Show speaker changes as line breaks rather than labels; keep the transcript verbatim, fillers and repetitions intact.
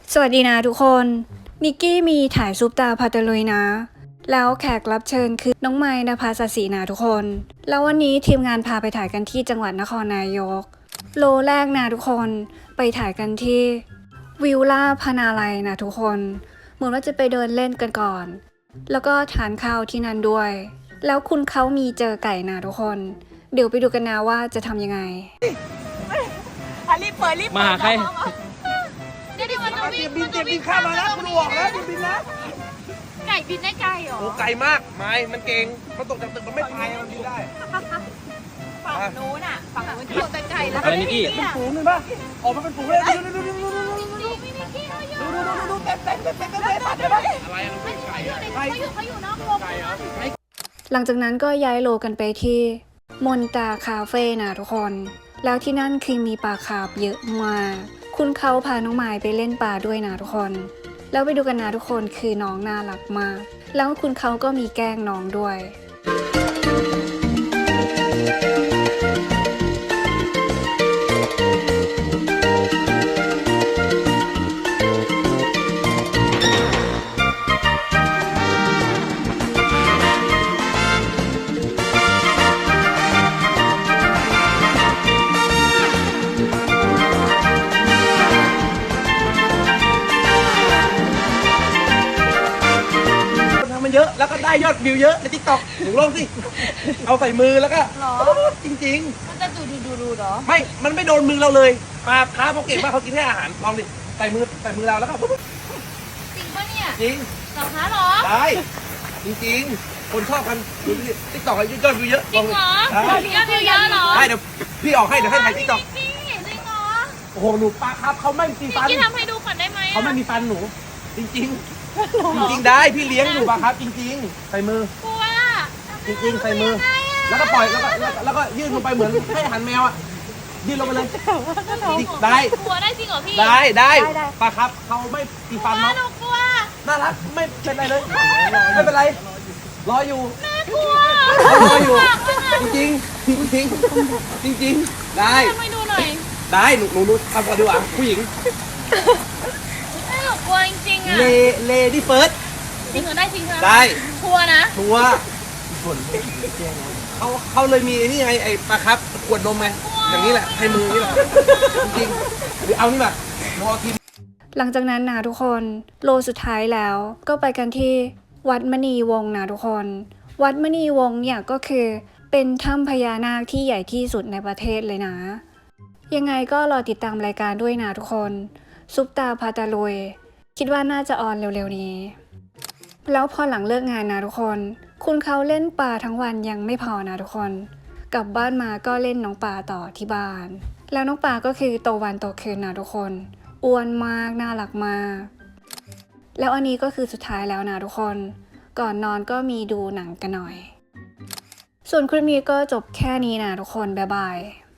สวัสดีนะทุกคนนิกกี้มีถ่ายซุปตาพาตะลุยนะแล้วแขกรับเชิญคือน้องไม้ณภาสศินะทุกคนแล้ววันนี้ทีมงานพาไปถ่ายกันที่จังหวัดนครนายกโลแรกนะทุกคนไปถ่ายกันที่วิลล่าพนาลัยนะทุกคนเหมือนว่าจะไปเดินเล่นกันก่อนแล้วก็ทานข้าวที่นั่นด้วยแล้วคุณเขามีเจอไก่นะทุกคนเดี๋ยวไปดูกันนะว่าจะทำยังไง
อ่ะรีบเปิดรีบเปิด
มาหาใคร
เดี๋ยวเดี๋ยวมันจะ
เตรี
วิ่
ย
ง
มบินเตรียมบินข้ามมาแล้วคุณบอกแล้วบินบินนะ
ไก่บินได้ไกลเหรอ
โอ้ไกลมากไม้มันเก่งมันตกจากตึกมันไม่ตายมันบินได้
ฝั่งนู้นอ่ะฝั่งนู้นโดนแต่ไก่แล้ว
อะไรนิกกี้
ฝูงเลยป่ะออกมาเป็นฝูงเลยดูดูดูดูดูดูดู
นี่มีนิกกี้เขาอยู่
ดูดูดูเต็มเต็มเต็มเต็มเต็มเต็มปัดเลยอะไรอะ
เขาอยู่เขาอยู่นอกวงนะ
หลังจากนั้นก็ย้ายโลกันไปที่มนตาคาเฟ่นะทุกคน แล้วที่นั่นคือมีปลาคาร์ฟเยอะมากคุณเขาพาน้องไม้ไปเล่นปลาด้วยนะทุกคน แล้วไปดูกันนะทุกคนคือน้องน่ารักมาก แล้วคุณเขาก็มีแกล้งน้องด้วย
มันเยอะแล้วก็ได้ยอดวิวเยอะในทิกตอกหนูลองสิเอาใส่มือแล้วก็จริงๆ
มันจะดูดูดูดูเหรอ
ไม่ มันไม่โดนมือเราเลยปลาค้าเขาเก่งมากเขากินแค่อาหาร ลองดิ ใส่มือ ใส่มือเราแล้วก็ปุ๊บ
จริงปะเนี่ย
จริง
เหรอคะเหรอ
ได้ จริงๆ คนชอบกันดูดิติ๊กต็อกยอดวิวเยอะ
จริงเหรอ
ได้
ยอดวิวเยอะเหรอ
ได้เดี๋ยวพี่ออกให้ เดี๋ยวให้ถ่ายติ๊กต็อก
จริงจริงเหรอ
โอ้โห หนูปลาครับเขาไม่มีฟัน
พี่ทำให้ดูก่อนได้ไหม
เขาไม่มีฟันหนู จริงๆ จริงๆ ได้ พี่เลี้ยงหนูปลาครับ จริงๆ ใส่มือ
กลัว
จริงๆ ใส่มือ แล้วก็ปล่อย แล้วก็แล้วก็แล้วก็ยื่นลงไปเหมือนให้อาหารแมวอ่ะ ยื่นลงไปเลยได้
กลัวได้จริงเหรอพี่
ได้ได้ปลาครับเขาไม่มีฟัน
กลัว
เนาะ
หนูกลัว
น่ารักไม่เป็นไรเลย ไม่เป็นไร รออยู่
แม่กลัว
รออยู่ จริงจริงจริงจริงจริงๆได้
ทำให้ดูหน่อย
ได้หนูหนูหนูทำก่อนดีกว่าผู้หญิง
แม่หนูกลัวจริงๆอ่ะ
เลเลดี้เฟิร์ส
จริงเหรอได้จริงเหรอ
ได้
กลัวนะ
ทัวร์เขาเขาเลยมีไอ้นี่ไงไอ้ปลาครับขวดนมไงอย่างนี้แหละให้มือนี่แหละจริงๆหรือเอานี่แบบรอทีม
หลังจากนั้นนะทุกคนโลสุดท้ายแล้วก็ไปกันที่วัดมณีวงศ์นะทุกคน วัดมณีวงศ์เนี่ยก็คือเป็นถ้ำพญานาคที่ใหญ่ที่สุดในประเทศเลยนะ ยังไงก็รอติดตามรายการด้วยนะทุกคนซุปตาพาตาลุยคิดว่าน่าจะออนเร็วๆนี้แล้วพอหลังเลิกงานนะทุกคนคุณเขาเล่นปลาทั้งวันยังไม่พอนะทุกคนกลับบ้านมาก็เล่นน้องปลาต่อที่บ้านแล้วน้องปลาก็คือโตวันโตคืนนะทุกคนอ้วนมากน่ารักมากแล้วอันนี้ก็คือสุดท้ายแล้วนะทุกคนก่อนนอนก็มีดูหนังกันหน่อยส่วนคลิปนี้ก็จบแค่นี้นะทุกคนบ๊ายบาย